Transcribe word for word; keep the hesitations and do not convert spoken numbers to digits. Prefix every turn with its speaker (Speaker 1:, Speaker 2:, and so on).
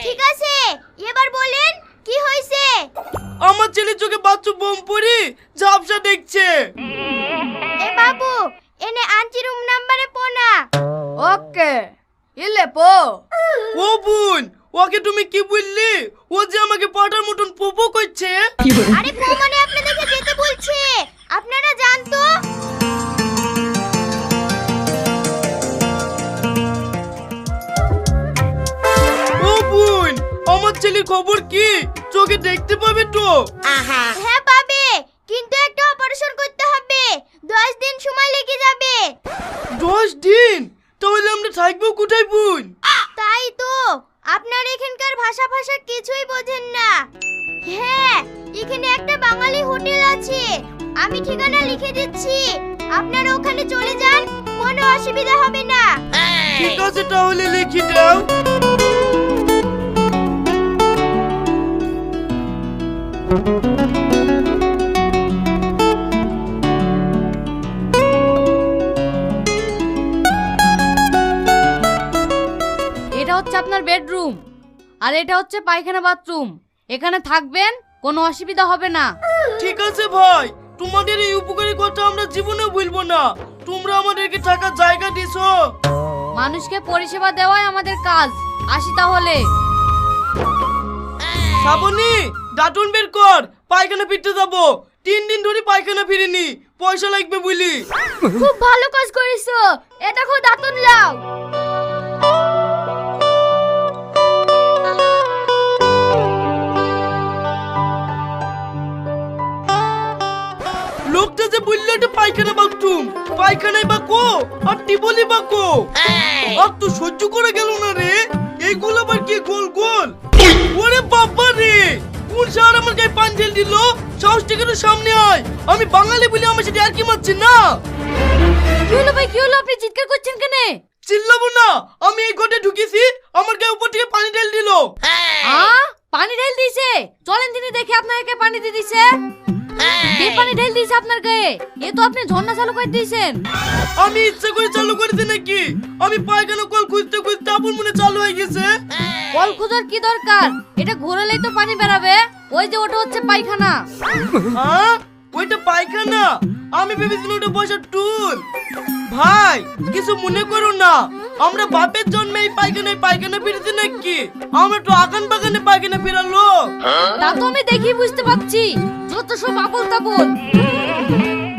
Speaker 1: ঠিক আছে, এবার বলেন কি হয়েছে?
Speaker 2: আমার ছেলে চোখে বাচ্চা বোম পড়ি ঝাপসা দেখছে।
Speaker 1: এ বাবু, এনে আন্টি রুম নাম্বারে পোনা।
Speaker 3: ওকে, ইলে পো।
Speaker 2: ও বোন, ওকে তুমি কি বললি? ও যে আমাকে পাটার মতন পোপো করছে।
Speaker 1: আরে পো মানে আপনাদেরকে যেতে বলছে, আপনারা জান তো।
Speaker 2: ও বোন, আমার ছেলের খবর কি? চোখে দেখতে পাবে তো?
Speaker 1: হ্যাঁ পাবে, কিন্তু একটা অপারেশন করতে হবে, দশ দিন সময় লেগে যাবে।
Speaker 2: দশ দিন? তাহলে আমরা থাকবো কোথায় বোন?
Speaker 1: তাই তো, আপনার এখানকার ভাষা ভাষা কিছুই বোঝেন না। হ্যাঁ, এখানে একটা বাঙালি হোটেল আছে, আমি ঠিকানা লিখে দিচ্ছি, আপনারা ওখানে চলে যান, কোনো অসুবিধা হবে না।
Speaker 2: ঠিক আছে, তাহলে লিখে দাও।
Speaker 3: এটা হচ্ছে আপনার বেডরুম, আর এটা হচ্ছে পায়খানা বাথরুম। এখানে থাকবেন, কোনো অসুবিধা হবে না।
Speaker 2: ঠিক আছে ভাই, তোমাদের এই উপকারী কথা আমরা জীবনে ভুলবো না। তোমরা আমাদেরকে থাকার জায়গা দিছো।
Speaker 3: মানুষকে পরিষেবা দেওয়াই আমাদের কাজ। আসি তাহলে।
Speaker 2: শ্রাবণী, দাঁতুন বের কর, পায়খানা ফিরতে যাবো। তিন দিন ধরে পায়খানা ফিরিনি, পয়সা লাগবে বুঝলি।
Speaker 1: খুব ভালো কাজ করেছো, এটা খুব দাঁতন লাও।
Speaker 2: লোকটা যে বললো এটা পায়খানা বাথরুম, পায়খানায় বাকো আর টিবলি বাকো, আর তো সহ্য করে গেল না রে। এইগুলো আবার কি গোল গোল? ওরে বাবা রে, কোন শহর আমার গায়ে পান ঢেল দিল? সাহস থেকে তো সামনে আয়, আমি বাঙালি বলে আমার সাথে আর কি মারছি না।
Speaker 3: কি হলো ভাই, কি হলো? আপনি চিৎকার করছেন কেন?
Speaker 2: চিল্লাবো না, আমি এই ঘরে ঢুকেছি, আমার গায়ে উপর থেকে পানি ঢেল দিল।
Speaker 3: আ পানি ঢেল দিয়েছে? চলেন দিনে দেখে আপনাকে পানি দিয়ে দিছে। কে পানি ঢেল দিয়েছে আপনার গায়ে? এ তো আপনি ঝর্ণা চালু করে দিয়েছেন।
Speaker 2: আমি ইচ্ছা করে চালু করেছি নাকি? আমি পায়খানা কল খুঁজতে খুঁজতে আপন মনে চালু হয়ে গেছে।
Speaker 3: কল খোঁজার কি দরকার? এটা ঘোরালেই তো পানি বেরাবে। ওই যে ওটা হচ্ছে পায়খানা।
Speaker 2: হ্যাঁ, ওইটা পায়খানা? আমি ভেবেছিলাম ওটা বসার টুল। ভাই, কিছু মনে করো না, আমরা বাপের জন্মে এই পায়খানায় পায়খানা ফিরেছি নাকি? আমরা তো আগান বাগানে পায়খানা ফেরালো।
Speaker 3: তা তো আমি দেখি বুঝতে পারছি, যত সব আবল তাবল।